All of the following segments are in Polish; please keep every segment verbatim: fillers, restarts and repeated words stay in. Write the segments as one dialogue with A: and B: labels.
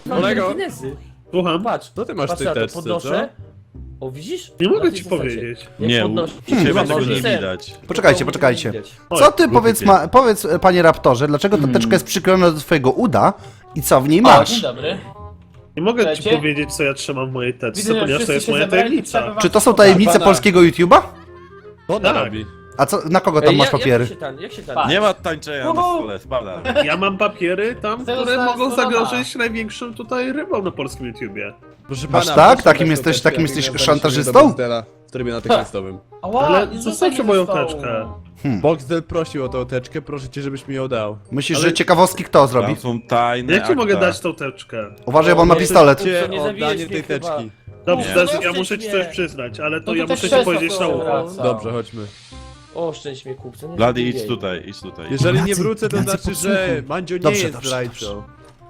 A: mam
B: Kolego.
A: telekinezy.
C: Słucham?
A: Patrz,
B: Co ty masz w
A: patrz
B: tej
A: na to,
B: teczce,
A: podnoszę. O, widzisz?
C: Nie
A: Na
C: mogę
A: tej
C: ci
A: zasadzie.
C: powiedzieć.
A: Jak
D: Nie,
A: podnoszę-
D: u ciebie
A: Chyba
D: tego nie
A: ser.
D: widać.
E: Poczekajcie, poczekajcie.
C: Oj,
E: Co ty,
D: głupi
E: powiedz,
D: pies.
E: ma, powiedz, panie raptorze, dlaczego ta teczka jest przyklejona do twojego uda i co w niej
F: O,
E: masz?
F: dzień dobry.
C: Nie mogę ci
F: Słuchajcie?
C: powiedzieć, co ja trzymam w mojej teczce,
F: Widzę, że
C: ponieważ to
F: wszyscy
C: jest
F: się
C: moja
F: zebrali,
C: tajemnica.
F: trzeba wam
E: Czy to są
F: pokazać.
E: tajemnice
B: pana.
E: polskiego YouTube'a?
B: Co ona
C: Tak.
B: robi?
E: A co, na kogo tam
A: Ej,
E: masz
A: ja-
E: papiery?
A: Jak się tam, jak się tam?
F: Pa.
D: Nie ma tańczenia na
F: Uhu.
D: stole, spada.
C: Ja mam papiery tam,
F: Tego
C: które
F: zaraz
C: mogą
F: podoba.
C: zagrożyć największą tutaj rybą na polskim YouTubie.
B: Proszę
E: Masz
B: pana,
E: tak?
B: proszę
E: Takim
B: dać
E: jesteś-
B: tą teczkę,
E: takim
B: jak
E: jesteś
B: nie
E: szantażystą?
B: do Boxdela w trybie natychmiastowym.
F: Ała,
C: Ale
F: nie
C: zostawcie
F: rzucaj
C: moją
F: ze stołu.
C: teczkę.
B: Boxdel prosił o tą teczkę, proszę cię, żebyś mi ją dał.
E: Myślisz,
C: Ale-
E: że ciekawostki kto zrobi?
D: Tam są tajne
C: Jak ci mogę
D: akta.
C: dać tą teczkę?
E: Uważaj, bo on ma
A: O,
E: pistolet.
B: Cię
A: nie
B: o
A: zabijesz
B: oddanie
A: mnie
B: tej
A: chyba.
B: teczki.
C: Dobrze,
A: No,
C: Dezy, ja
A: oszczędź
C: muszę ci
A: mnie.
C: coś przyznać, ale to
F: No to
C: ja
F: też
C: muszę ci
F: krzesło
C: powiedzieć
F: są
C: na ucho.
F: wraca.
B: Dobrze, chodźmy.
A: O, szczęść mnie kupca. nie
D: Blady,
A: zabijaj.
D: idź tutaj, idź tutaj.
B: Jeżeli nie
E: Ignacy,
B: wrócę, to
E: Ignacy,
B: znaczy,
E: podsłuchuj.
B: że Mandzio nie
E: Dobrze,
B: jest
E: dobrze,
B: zdrajcą.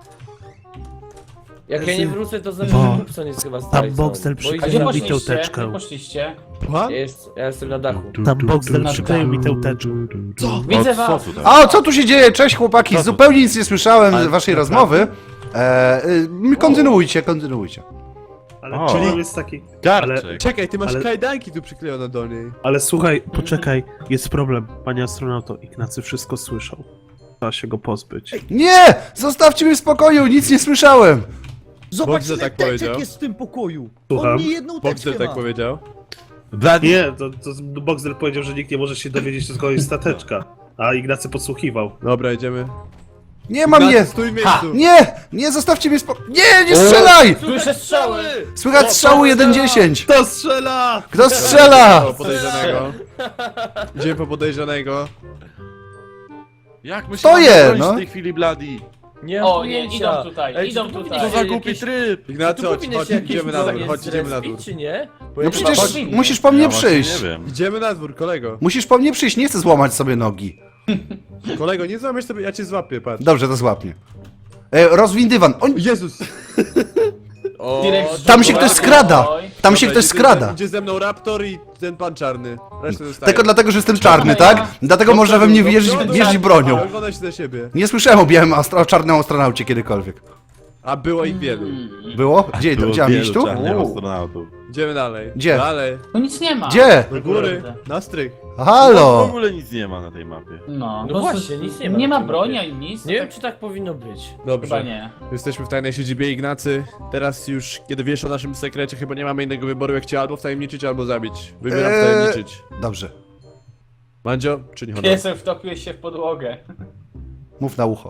A: Jak ja nie wrócę, to znaczy,
G: Bo-
A: że kupca jest chyba zdrajcą.
G: Boxdel
A: Bo
G: przykleił
A: idzie
F: A gdzie
A: za
G: mi
A: mną.
G: tę
F: poszliście?
G: teczkę.
F: Gdzie poszliście?
B: Słucham?
A: Ja, jest, ja jestem na dachu.
G: Tam Boxdel
F: Na
G: przykleił mi tę
F: dachu.
G: teczkę.
B: Co?
F: Widzę
D: O, co
F: was.
D: tutaj?
E: A co tu się dzieje? Cześć chłopaki,
D: Co tu?
E: zupełnie nic nie słyszałem
D: Ale
E: z waszej
D: naprawdę?
E: rozmowy. E, y, kontynuujcie, kontynuujcie.
C: Ale
D: O.
C: problem jest taki...
D: Garczek.
B: Czekaj, ty masz
C: Ale-
B: kajdanki tu przyklejone do niej.
C: Ale słuchaj,
G: Poczekaj, jest problem, panie astronauto. Ignacy wszystko słyszał. Trzeba się go pozbyć.
E: Nie! Zostawcie mnie w spokoju, nic nie słyszałem!
H: Zobacz,
B: Boxer
H: ile
B: tak
H: teczek
B: powiedział.
H: jest w tym pokoju.
C: Słucham?
H: On nie jedną teczkę
B: Boxdel tak
H: ma.
B: powiedział.
D: Blady,
C: nie, to, to Boxdel powiedział, że nikt nie może się dowiedzieć, tylko jest ta teczka. A Ignacy podsłuchiwał.
B: Dobra, idziemy.
E: Nie ma
B: Ignacy,
E: mnie!
B: stój w miejscu.
E: Nie! Nie, zostawcie mnie w spokoju! Nie, nie strzelaj!
F: Słyszę strzały!
E: Słychać strzału jeden dziesięć!
C: Kto strzela?
E: Kto strzela?
B: Po podejrzanego. Idziemy po podejrzanego.
D: jak my się
E: To
D: mamy
E: je,
D: bronić
E: no.
D: w tej chwili, Blady?
A: Nie mam
F: O, nie,
A: pojęcia.
F: idą tutaj,
A: Ej,
F: idą
A: czy tu
F: tutaj.
D: Co za
A: jakieś-
D: głupi tryb?
B: Ignacy,
A: Tu
B: chodź,
A: powinny
B: chodź,
A: się jakieś
B: idziemy na dół,
A: bronie
B: chodź, idziemy na dół.
A: zrespić, czy nie? Bo
E: No
A: ja
E: przecież
F: powinni.
E: musisz po mnie
D: Ja właśnie
E: przyjść.
D: nie wiem.
B: Idziemy na dwór, kolego.
E: Musisz po mnie przyjść, nie chcę złamać sobie nogi.
B: Kolego, nie złamiesz sobie, ja cię złapię, patrz.
E: Dobrze, to złap mnie. E, rozwin dywan. O,
B: Jezus! O,
F: Direkt
E: tam się ktoś skrada!
F: Oj.
E: Tam się
B: Dobra,
E: ktoś
B: idzie
E: skrada.
B: Ze, idzie ze mną Raptor i ten pan czarny. Resztę zostaje.
E: Tylko dlatego, że jestem czarny,
F: Dobra,
E: tak?
F: ja-
E: Dlatego można we mnie wierzyć,
B: Dobra,
E: wierzyć bronią.
B: Ogląda się na siebie.
E: Nie słyszałem o białym astro, o czarnym astronaucie kiedykolwiek.
B: A było ich wielu.
E: Było? Gdzie?
D: Było
E: Gdzie mam
D: wielu
E: iść tu?
D: czarnych
E: U.
D: astronautów.
B: Idziemy dalej.
E: Gdzie?
B: Dalej.
F: Tu nic nie ma.
E: Gdzie?
B: Do góry. Na strych.
D: W
E: Halo!
D: ogóle nic nie ma na tej mapie.
F: No,
A: No
F: bo
A: właśnie, nic nie ma
F: Nie
A: na
F: ma
A: tym
F: broni
A: mapie.
F: ani nic.
A: Nie
F: to
A: wiem,
F: tak
A: czy tak powinno być.
F: chyba
B: Dobrze.
F: nie.
B: Jesteśmy w tajnej siedzibie Ignacy. Teraz już, kiedy wiesz o naszym sekrecie, chyba nie mamy innego wyboru, jak cię albo wtajemniczyć, albo zabić. Wybieram
E: Eee.
B: wtajemniczyć.
E: Dobrze,
B: Mandzio, czyń honor.
F: Piesek wtopiłeś się w podłogę.
E: mów na ucho.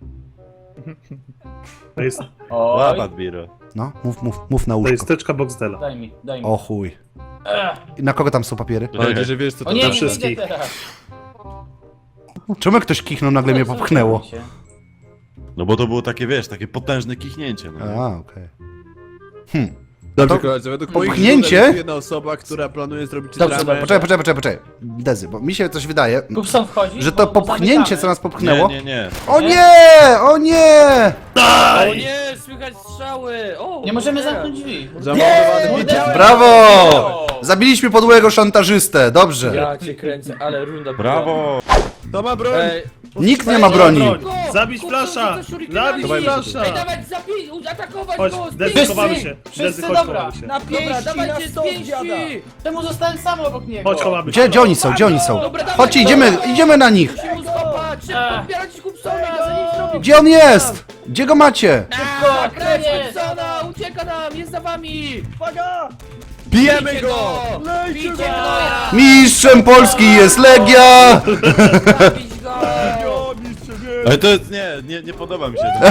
C: To jest,
F: Oj,
D: Łapat biro.
E: No, mów, mów, mów na
C: to jest
E: uszko.
C: teczka Boxdela.
F: daj mi, daj mi.
E: O chuj.
F: Ech.
E: I na kogo tam są papiery?
B: Mam nadzieję, że wiesz co to
F: O nie,
C: dla
F: nie
C: wszystkich.
F: widzę teraz.
E: Czemu jak ktoś kichnął, nagle mnie popchnęło?
D: No bo to było takie, wiesz, takie potężne kichnięcie. No.
E: A, okej. Hmm.
B: Dobrze,
E: To
B: koledzy, według moich
E: popchnięcie?
B: źródeł jest jedna osoba, która planuje zrobić
F: Dobrze,
B: dramę.
F: dobrze.
E: Poczekaj, poczekaj, poczekaj, poczekaj. Dezy, bo mi się coś wydaje,
F: Kupson wchodzi,
E: że to
F: bo- bo
E: popchnięcie,
F: zamykamy.
E: co nas popchnęło...
D: Nie, nie, nie.
E: O nie! O nie!
A: O nie, słychać strzały! O,
F: Nie możemy
A: cholera.
F: zamknąć drzwi.
B: Zamordowany widziałem.
E: Brawo! Zabiliśmy podłego szantażystę, dobrze.
A: Ja cię kręcę, ale runda była.
D: Brawo!
B: To ma broń!
A: Ej,
E: Nikt nie ma broni.
A: go!
C: Zabić
A: Kupca
C: flasza!
A: rzuca shurikenami!
C: Zabić
B: Dawaj,
C: flasza!
A: Ej, dawać, zabij, atakować
C: Chodź,
A: go!
C: Dezy,
A: Wszyscy!
C: chowamy się.
F: wszyscy,
C: Dezy, chodź,
F: dobra.
C: chowamy się.
H: Na
A: Dobra,
H: pięści, na
A: dawajcie z
H: stos, dziada.
A: pięści!
F: Czemu zostałem sam obok niego?
C: Chodź, chowamy się.
E: Gdzie, gdzie oni są? Gdzie oni są?
A: Dobra, dawaj,
E: Chodźcie,
A: dobra.
E: idziemy, idziemy na nich.
A: Musimy mu skopać! Szybko, odbierać Kupsona, zanim zrobi...
E: Gdzie on jest? Gdzie go macie?
A: Szybko, kręć
F: koniec.
A: Kupsona! Ucieka nam, jest za wami!
H: Uwaga!
B: Bijemy
A: Bijcie
B: go!
A: Bijcie gnoja!
E: Mistrzem Polski jest Legia!
A: Zabić go!
D: Ale to jest, nie, nie, nie podoba mi się to.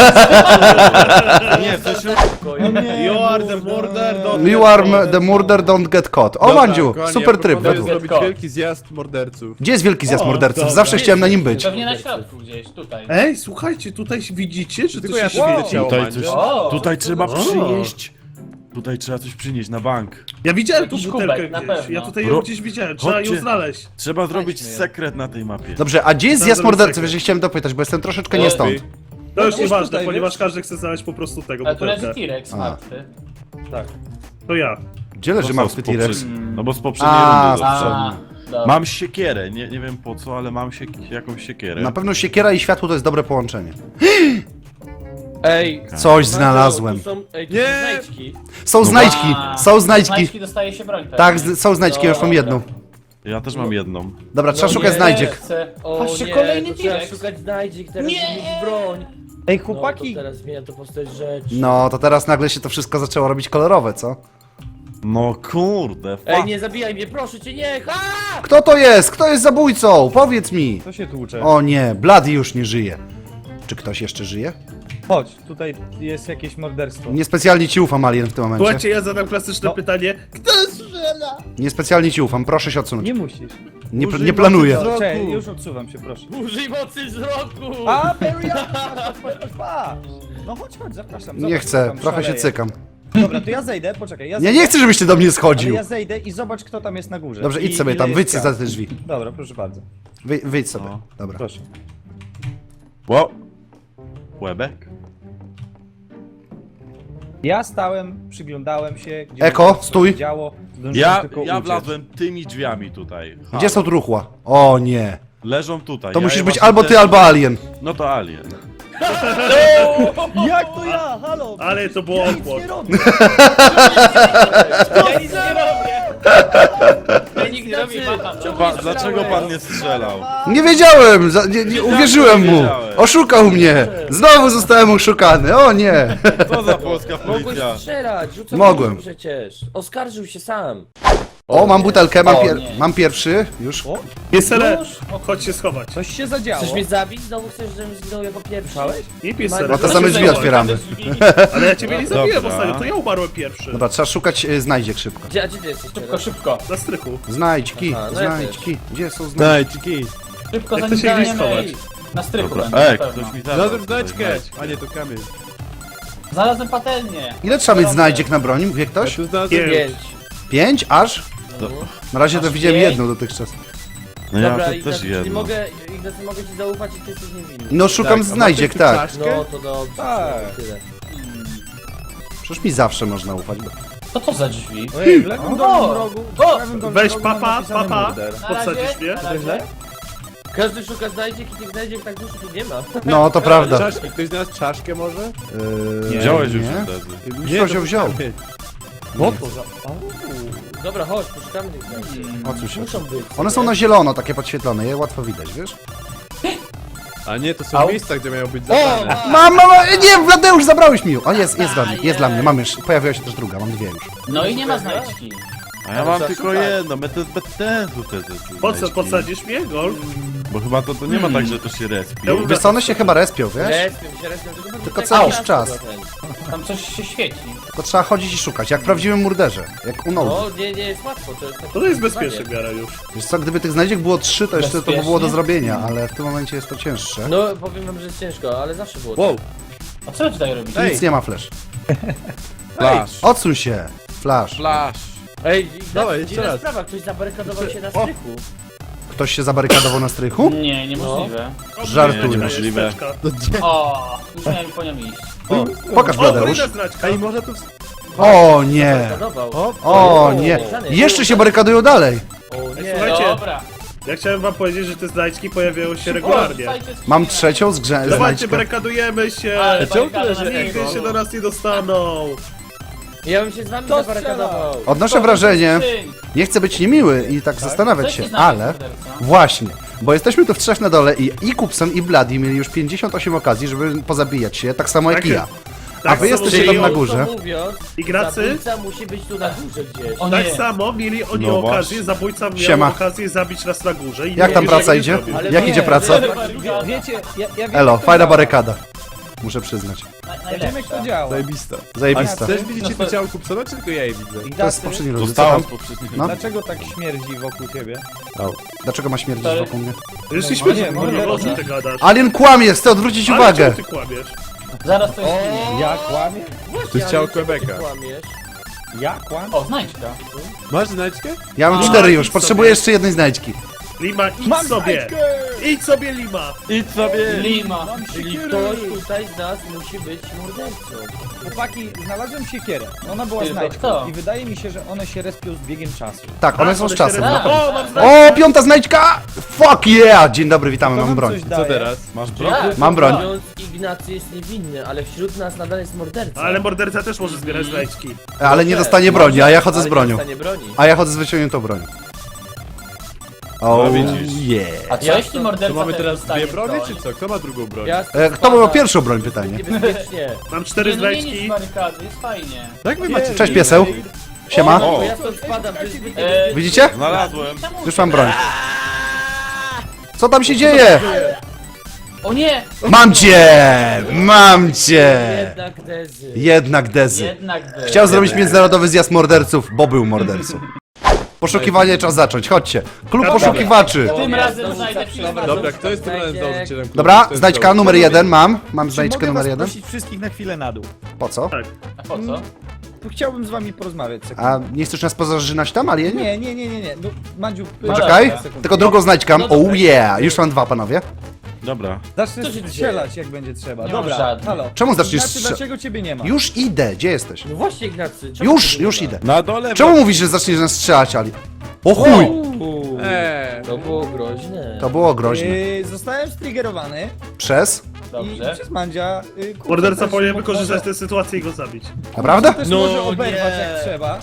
D: Nie, w sensie...
C: You are the murder, don't
E: You are m- the murder, don't get caught. O,
B: Dobra,
E: Mandziu,
B: kochani,
E: super
B: ja
E: tryb
B: proponuję
E: według.
B: zrobić
F: Go.
B: wielki zjazd morderców.
E: Gdzie jest wielki zjazd
C: O,
E: morderców?
C: dobra.
E: Zawsze chciałem na nim być.
F: Pewnie na środku gdzieś, tutaj.
C: Ej, słuchajcie, tutaj widzicie, że
B: Tylko
C: to
B: ja
C: się
B: tu widzę
C: świeci?
B: ciało
D: Tutaj
B: Mandzio.
D: coś,
F: O!
D: tutaj trzeba
C: O.
D: przynieść. Tutaj trzeba coś przynieść na bank.
C: Ja widziałem tu
F: Jakiś
C: butelkę
F: kubek, na
C: gdzieś.
F: pewno.
C: Ja tutaj
D: Ro-
C: ją gdzieś widziałem, trzeba ją
D: Chodźcie.
C: znaleźć.
D: Trzeba zrobić
F: Znajdźmy je.
D: sekret na tej mapie.
E: Dobrze, a gdzie jest
C: Tam
E: zjazd
C: zrobię
E: morderców?
C: sekret.
E: Jeżeli chciałem dopytać, bo jestem troszeczkę nie
B: Ej,
E: stąd.
C: To już
H: No,
C: nieważne,
H: tutaj,
C: ponieważ
H: wiesz?
C: każdy chce znaleźć po prostu tego
F: Ale tu leży
C: butelkę.
F: T-Rex
E: A.
F: martwy.
C: To ja.
E: Gdzie leży
D: To
E: martwy
D: z poprze-
E: T-Rex?
D: No bo z poprzedniej
E: A,
D: rundy
F: A,
D: został.
F: dobra.
D: Mam siekierę, nie, nie wiem po co, ale mam siek jakąś siekierę.
E: Na pewno siekiera i światło to jest dobre połączenie.
A: Ej,
E: Coś
A: Mando,
E: znalazłem.
A: tu są, ej, tu
B: Nie.
A: są znajdźki.
E: Są znajdźki,
F: A,
E: są znajdźki.
F: Znajdźki dostaje się broń.
E: Tak, z- są znajdźki, ja już mam
A: Dobra.
E: jedną.
D: Ja też mam jedną.
E: Dobra, trzeba
A: No
E: szukać
A: nie.
E: znajdziek.
F: Chcę.
A: O
F: Patrzcie,
A: nie,
F: kolejny
A: to trzeba
F: T-Rex.
A: szukać znajdziek, teraz
F: Nie.
A: mieć broń.
H: Ej,
A: No,
H: chłopaki!
A: to teraz zmienia to postać rzeczy.
E: No, to teraz nagle się to wszystko zaczęło robić kolorowe, co?
D: No kurde,
A: Ej,
D: fuck.
A: nie zabijaj mnie, proszę cię, nie! Ha!
E: Kto to jest? Kto jest zabójcą? Powiedz mi.
H: To się tłucze.
E: O nie, Bloody już nie żyje. Czy ktoś jeszcze żyje?
H: Chodź, tutaj jest jakieś morderstwo.
E: Niespecjalnie ci ufam, Alien, w tym momencie.
C: Słuchajcie, ja zadam klasyczne
H: No.
C: pytanie. Kto strzela?
E: Niespecjalnie ci ufam, proszę się odsunąć.
H: Nie musisz.
E: Nie,
B: Użyj
E: nie planuję.
B: mocy wzroku.
H: Czekaj, już odsuwam się, proszę.
A: Użyj mocy wzroku!
H: A, Perian! Patrz! No chodź, chodź, zapraszam.
E: Nie
H: zobacz,
E: chcę,
H: kto tam
E: trochę się
H: szaleje.
E: cykam.
H: Dobra, to ja zejdę, poczekaj, ja
E: Ja
H: zejdę.
E: nie chcę, żebyś ty do mnie
H: Ale
E: schodził.
H: ja zejdę i zobacz, kto tam jest na górze.
E: Dobrze,
H: I-
E: idź sobie
H: ile
E: tam,
H: jest
E: wyjdź
H: ciał.
E: za te drzwi.
H: Dobra, proszę bardzo.
E: Wy, wyjdź sobie,
D: No.
E: dobra.
H: Proszę.
D: Wow. Łebek?
H: Ja stałem, przyglądałem się, gdzie
E: Eko,
H: mi się
E: stój.
H: działo. Zdążyłem
D: Ja,
H: tylko
D: ja
H: uciec.
D: wlazłem tymi drzwiami tutaj. Ha.
E: Gdzie są truchła? O nie.
D: Leżą tutaj.
E: To
D: ja
E: musisz
D: je
E: być
D: właśnie
E: albo ty,
D: też-
E: albo Alien.
D: No to alien.
H: Jak to ja? Halo!
C: Ale to było
H: Ja nic
C: okład.
H: nie robię! Ja nic nie robię!
A: Ej,
F: Nic nie robi,
A: Ignacy,
F: macham.
A: czemu
D: Pa,
A: nie
D: dlaczego
A: strzelałeś?
D: pan nie strzelał?
E: Nie wiedziałem, za, nie, nie, uwierzyłem mu.
D: wiedziałem.
E: Oszukał mnie. Znowu zostałem oszukany, o nie.
D: Co za polska
A: Mogłeś
D: policja?
A: strzelać, rzucam
E: Mogłem.
A: przecież. Oskarżył się sam.
E: O, mam butelkę, mam,
F: O,
E: pier
F: nie.
E: mam pierwszy, już.
C: Piesele,
H: Już?
C: chodź się schować.
H: Coś się zadziało.
A: Chcesz mnie zabić? Znowu chcesz, żebym zginął jako pierwszy?
C: Nie piesele.
E: No to
C: chodź
E: same
C: się
E: drzwi
C: schować.
E: otwieramy.
C: Ale ja ciebie nie zabiłem
D: Dobra.
C: ostatnio, to ja umarłem pierwszy.
E: Dobra, trzeba szukać y, znajdziek szybko.
A: Gdzie, a gdzie ty jesteś
F: Szybko,
A: teraz?
F: szybko.
C: Na strychu.
E: Znajdźki,
A: Aha, no ja
E: znajdźki. Gdzie są znajdźki?
B: Znajdźki.
F: Szybko,
C: Jak
F: zanim
C: to się gdzieś
F: zaginiemy.
C: schować?
F: Na strychu
D: Dobra.
F: będzie,
D: Ej,
F: na pewno.
D: ktoś mi zabrał.
B: Znalazłem
D: tutaj
B: znaczkę.
D: znajdźki.
B: A nie, to kamień.
F: Znalazłem patelnię.
E: Ile trzeba mieć znajdziek na broni, wie
B: Ja
E: ktoś?
B: tu znalazłem...
C: Nie.
A: Pięć.
E: Pięć? Aż? Na razie to
F: Aż
E: widziałem
F: pięć?
E: jedną dotychczas.
D: No ja
A: Dobra,
D: to
A: Ignacy,
D: też
A: czyli
D: jedno.
A: mogę, Ignacy, mogę ci zaufać i ty jesteś niewinny.
E: No szukam
B: Tak, a
E: znajdziek,
B: masz jakąś
E: tak.
B: czaszkę?
A: No to dobrze.
H: Tak.
A: Tyle.
E: Przecież mi zawsze można ufać.
F: Co to za drzwi?
H: Ojej, w lewym
F: O!
H: dolnym rogu, w
F: O!
H: prawym dolnym
C: Weź
H: rogu mam
C: papa,
H: napisane
C: papa.
H: murder.
F: Na
C: Podsadzisz
F: razie,
C: mnie?
F: na razie.
A: Każdy szuka znajdziek i tych znajdziek tak dużo tu nie ma.
E: No, to prawda.
B: Czaszki, ktoś znalazł czaszkę może?
E: Yy,
D: Wziąłeś już
E: nie?
D: wtedy.
E: Już ktoś ją wziął.
B: Bo to za...
A: Dobra, chodź, poszukamy tych znajdziek.
E: Odsuń się.
A: Muszą być.
E: One są na zielono, takie podświetlone, je łatwo widać, wiesz?
B: A nie, to są
F: Au.
B: miejsca, gdzie mają być
A: O!
B: zabrane.
E: Mam, mam, nie, Wladeusz, zabrałeś mi ją. O, jest, jest dla mnie, jest dla mnie, mam już, pojawiła się też druga, mam dwie już.
F: No i nie ma znajdźki.
D: A ja mam
A: trzeba
D: tylko
A: szukać.
D: jedno, my to jest bez sensu te, te, te
C: Po co,
D: znajdźki.
C: podsadzisz mnie, Golf?
D: Bo chyba to, to nie ma tak, że to się respi.
C: Ja bym-
E: Wiesz co, one się chyba respią, wiesz?
A: Respią się, respią, tylko,
E: Tylko
A: tak
E: co jakiś
A: raz
E: czas.
A: chyba ten.
F: Tam coś się świeci.
E: Tylko trzeba chodzić i szukać, jak w prawdziwym murderze, jak u Nolan.
A: O, nie, nie jest łatwo, to jest takie
C: To jest
A: wyzwanie.
C: bezpieczne w miarę już.
E: Wiesz co, gdyby tych znajdziek było trzy, to jeszcze to by było do
F: Bezpiecznie?
E: zrobienia, ale w tym momencie jest to cięższe.
A: No, powiem wam, że jest ciężko, ale zawsze było
B: Wow,
F: A co wy tutaj robicie?
B: Ej.
E: Nic nie ma flash.
B: flash,
E: Odsuń się, flash.
B: flash.
A: Ej, Ignacy,
B: Dawaj, jeszcze
A: dziwna
B: raz.
A: sprawa, ktoś zabarykadował się na strychu.
E: Ktoś się zabarykadował na strychu?
F: Nie, niemożliwe.
E: Żartujesz.
D: Niemożliwe.
F: O, już miałem po nią iść.
E: Pokaż,
C: O,
E: Bladeusz.
C: kolejna znaczka.
B: Ej, może tu...
E: O nie,
A: Barykadował.
B: O,
E: o nie. Jeszcze się barykadują dalej.
A: O nie.
C: Słuchajcie,
F: Dobra.
C: ja chciałem wam powiedzieć, że te znajdźki pojawiają się regularnie.
E: Mam trzecią z grze-
C: Dawajcie,
E: znajdźkę.
C: barykadujemy się!
F: Ale
B: Czemu
F: barykada
B: tyle,
F: na
B: że
F: niego.
C: Nigdy się do nas nie dostaną!
A: Ja bym się z wami
H: To
A: zabarykadował.
E: Odnoszę wrażenie,
F: Skrzyń.
E: nie chcę być niemiły i tak zastanawiać
F: Coś
E: się,
F: nie znajdzie
E: ale
F: morderca.
E: właśnie, bo jesteśmy tu w trzech na dole i, i Kupson i Bloody mieli już pięćdziesiąt osiem okazji, żeby pozabijać się, tak samo jak
C: Tak,
E: i ja. A
C: tak
E: wy
C: samo
E: jesteście
C: mieli-
E: tam na górze.
A: Krótko mówiąc,
C: Ignacy,
A: zabójca musi być tu na górze gdzieś.
F: O
C: tak
F: nie.
C: samo mieli oni
D: No
C: okazję,
D: właśnie.
C: zabójca miał
E: Siema.
C: okazję zabić nas na górze i
E: Jak
C: nie
E: tam
C: wiesz,
E: praca
C: nie
E: idzie?
C: zrobił.
A: Ale
E: Jak
A: nie,
E: idzie praca?
A: że-
H: Wie, wiecie, ja, ja wiem,
E: Elo,
H: jak to
E: fajna
H: działa.
E: barykada. Muszę przyznać.
F: Na-
H: Ja wiem jak to działa.
B: Zajebista. A
E: Zajebista.
B: też widzicie to ciało Kupsona, czy tylko ja je widzę?
E: To jest
H: Ignacy,
E: poprzedni rundy. Co
D: Zostało
E: tam?
D: z poprzednich.
E: No.
H: dlaczego tak śmierdzi wokół ciebie?
E: Dlaczego ma śmierdzić
F: To-
E: wokół mnie?
C: Jesteśmy
H: No nie,
C: w
H: no
C: górę,
H: nie,
C: o czym
F: no.
C: ty gadasz?
E: Alien kłamie, chcę odwrócić
C: Ale
E: uwagę.
C: czemu ty kłamiesz?
F: Zaraz to jest ginie.
H: Ja kłamię?
B: To jest ciało
A: Ale czemu ty
B: Quebeca.
A: kłamiesz?
H: Ja kłamię?
F: O, znajdźka.
B: Masz znajdźkę?
E: Ja mam
C: No,
E: cztery
C: idź
E: już,
C: sobie.
E: potrzebuję jeszcze jednej znajdźki.
C: Lima, idź
H: Mam
C: sobie!
H: znajdźkę!
C: Idź sobie, Lima!
D: Idź sobie!
F: Lima.
H: Mam
A: Czyli
H: siekierę!
A: ktoś tutaj z nas musi być mordercą.
H: Chłopaki, znalazłem siekierę. Ona była
F: Tylko
H: znajdźką
F: kto?
H: i wydaje mi się, że one się respią z biegiem czasu.
E: Tak, one
C: A,
E: są z
C: się
E: czasem.
C: re-
E: No.
C: O, mam znajdźkę!
E: O, piąta znajdźka! Fuck yeah! Dzień dobry, witamy,
H: To
E: mam
H: wam
E: broń.
H: coś
B: Co
H: daje.
B: teraz?
D: Masz broń?
F: Tak.
E: Mam broń.
A: Mówiąc, Ignacy jest niewinny, ale wśród nas nadal jest morderca.
C: Ale morderca też może zbierać znajdźki.
E: Ale nie dostanie broni, a ja chodzę z
A: Ale
E: bronią.
A: nie dostanie broni.
E: A ja chodzę z wyciągniętą bronią. O,
D: No widzisz.
E: yeah.
F: A co
A: Ja
F: jeśli
A: to-
F: morderca
B: To mamy
F: też
B: teraz
F: dostanie
B: dwie broni,
F: broń?
B: czy co? Kto ma drugą broń?
A: Ja
E: E, Kto miał pierwszą broń, pytanie?
A: Niebezpiecznie.
C: Mam cztery
F: Nie, no nie nic
C: znajdźki.
F: barykady, jest fajnie.
B: Jak wy macie...
E: Cześć pieseł. Siema.
A: O,
D: O.
A: ja stąd spadam, to jest zbyt
F: E,
E: Widzicie?
D: Znalazłem.
F: czemu-
E: Już mam broń. Co tam się dzieje?
F: O nie!
E: Mam cię! Mam cię!
A: jednak Dezy.
E: Jednak Dezy.
F: Jednak by.
E: Chciał zrobić międzynarodowy zjazd morderców, bo był mordercą. Poszukiwanie czas zacząć, chodźcie. Klub
C: Dobra.
E: poszukiwaczy.
F: Tym
A: Ja
F: razem
A: znowu
F: znajdę
A: zaczynam.
F: filmę.
B: Dobra, kto jest tym razem założycielem klubu?
E: Dobra,
B: Kto jest
E: znajdźka
B: założycielem?
E: numer jeden mam. Mam
H: Czy
E: znajdźkę
H: mogę
E: numer
H: was
E: jeden.
H: prosić wszystkich na chwilę na dół?
E: Po co?
F: A po co?
H: Tu chciałbym z wami porozmawiać sekundę.
E: A nie chcesz nas pozażynać tam, alienie?
H: Nie, nie, nie, nie, nie. No, Mandziu,
E: Poczekaj,
F: dobra.
E: tylko drugą znajdźkę mam.
A: No dobra.
E: Oh yeah! Już mam dwa, panowie.
D: Dobra.
H: Zacznę
A: Co się
H: strzelać jak będzie trzeba.
F: Nie mam
H: Dobra,
F: żadnych.
H: halo.
E: Czemu zaczniesz
H: Znaczy,
E: strzelać?
H: dlaczego ciebie nie ma?
E: Już idę, gdzie jesteś?
A: No właśnie, Ignacy. czemu
E: Już,
A: ty
E: już
A: nie
E: idę.
B: Na dole...
E: Czemu mówisz, że zaczniesz nas strzelać, Ali? O chuj!
A: Uuu,
B: Eee,
A: to było groźne.
E: To było groźne.
H: Yy, zostałem striggerowany
E: Przez?
H: i
F: Dobrze.
H: przez Mandzia. Yy, kurczę,
C: Morderca
H: też
C: powinien
H: mo-
C: wykorzystać
H: może-
C: tę sytuację i go zabić.
E: Naprawdę?
H: Też
A: No
H: może oberwać
A: nie.
H: jak trzeba.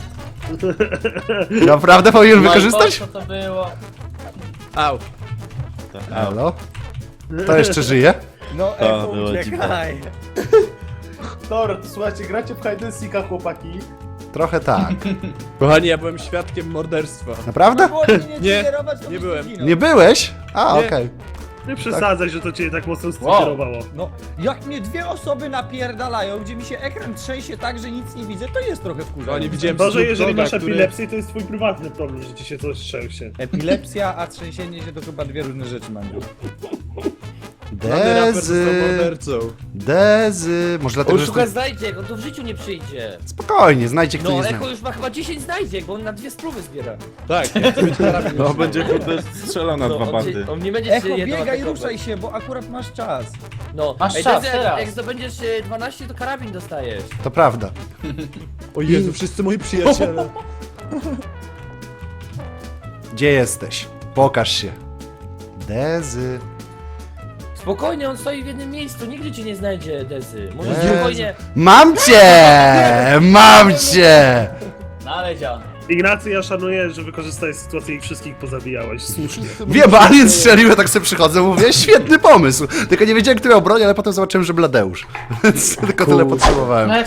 E: Naprawdę powinien
F: No i
E: wykorzystać?
F: po co to było?
B: au.
E: Halo? To jeszcze żyje?
H: No,
D: To
H: Echo,
D: było
H: uciekaj.
I: Dobra, to słuchajcie, gracie w hide and seeka, chłopaki.
E: Trochę tak.
B: Kochani, ja byłem świadkiem morderstwa.
E: Naprawdę?
H: Było mnie nie
B: Nie,
H: triggerować, to
B: nie
H: byś
B: byłem.
H: zginął.
E: Nie byłeś? A,
B: Nie.
E: okej.
C: Nie przesadzaj, że to cię tak mocno
F: Wow.
C: striggerowało.
H: No, jak mnie dwie osoby napierdalają, gdzie mi się ekran trzęsie tak, że nic nie widzę, to jest trochę wkurzające.
B: Kochani, widziałem
C: To, że
B: Snoop
C: jeżeli
B: Dogga,
C: masz
B: który-
C: epilepsję, to jest twój prywatny problem, że ci się coś trzęsie.
H: Epilepsja, a trzęsienie się to chyba dwie różne rzeczy, Mandziu.
B: Żaden raper został
E: Dezy,
B: mordercą.
E: Dezy. Może dlatego,
A: On
E: że...
A: szuka znajdziek, on tu w życiu nie przyjdzie.
E: Spokojnie, znajdzie kto
A: No,
E: nie
A: Echo
E: zna.
A: już ma chyba dziesięć znajdziek, bo on na dwie spróby zbiera.
B: Tak, ja chcę mieć karabin.
D: No będzie kurde strzelał na
A: No,
D: dwa
A: on,
D: bandy.
A: się, on nie będzie
H: Echo,
A: się jedną
H: biegaj,
A: atakować.
H: ruszaj się, bo akurat masz czas.
A: No,
F: Masz
A: Ej,
F: czas,
A: Dezy, jak,
F: teraz.
A: jak zdobędziesz e, dwanaście, to karabin dostajesz.
E: To prawda.
B: O Jezu, wszyscy moi przyjaciele.
E: Gdzie jesteś? Pokaż się. Dezy.
A: Spokojnie, on stoi w jednym miejscu, nigdy cię nie znajdzie, Dezy. Może
E: Jezu.
A: spokojnie.
E: Mam cię! Mam cię!
F: Znaleziony.
C: Ignacy, ja szanuję, że wykorzystałeś sytuację i wszystkich pozabijałeś. Słusznie.
E: Wiem, alien strzelił, ja tak sobie przychodzę, mówię, świetny pomysł. Tylko nie wiedziałem, kto miał broń, ale potem zobaczyłem, że Bladeusz. Więc tylko tyle potrzebowałem.
F: No jak